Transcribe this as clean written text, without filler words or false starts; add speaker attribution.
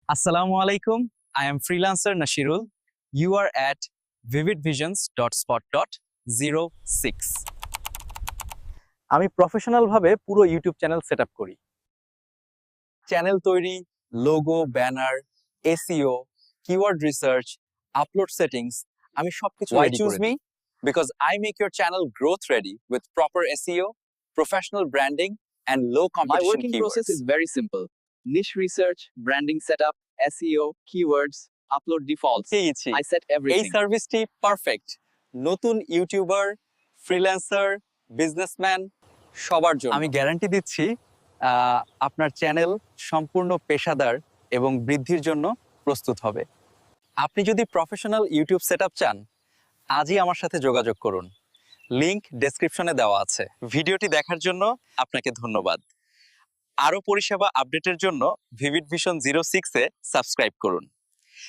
Speaker 1: Assalamu alaikum. I am freelancer Nashirul. You are at vividvisions.spot.06. আমি professional ভাবে পুরো YouTube channel setup করি। Channel তৈরি, logo, banner, SEO, keyword research, upload settings, আমি সবকিছু
Speaker 2: Why
Speaker 1: ready
Speaker 2: choose
Speaker 1: করে
Speaker 2: me?
Speaker 1: দিই। Because I make your channel growth ready with proper SEO, professional branding and low
Speaker 2: My
Speaker 1: competition
Speaker 2: working
Speaker 1: keywords.
Speaker 2: process is very simple. Niche research, branding setup, SEO, keywords, upload defaults.
Speaker 1: পেয়েছি।
Speaker 2: I set
Speaker 1: এই
Speaker 2: everything.
Speaker 1: সার্ভিসটি perfect নতুন YouTuber, freelancer, businessman সবার জন্য। আমি guarantee দিচ্ছি আপনার channel সম্পূর্ণ পেশাদার এবং বৃদ্ধির জন্য প্রস্তুত হবে। আপনি যদি প্রফেশনাল ইউটিউব সেটআপ চান, আজই আমার সাথে যোগাযোগ করুন। লিংক ডেসক্রিপশনে দেওয়া আছে। ভিডিওটি দেখার জন্য আপনাকে ধন্যবাদ। আরও পরিষেবা আপডেটের জন্য ভিভিড ভিশন 06-এ সাবস্ক্রাইব করুন।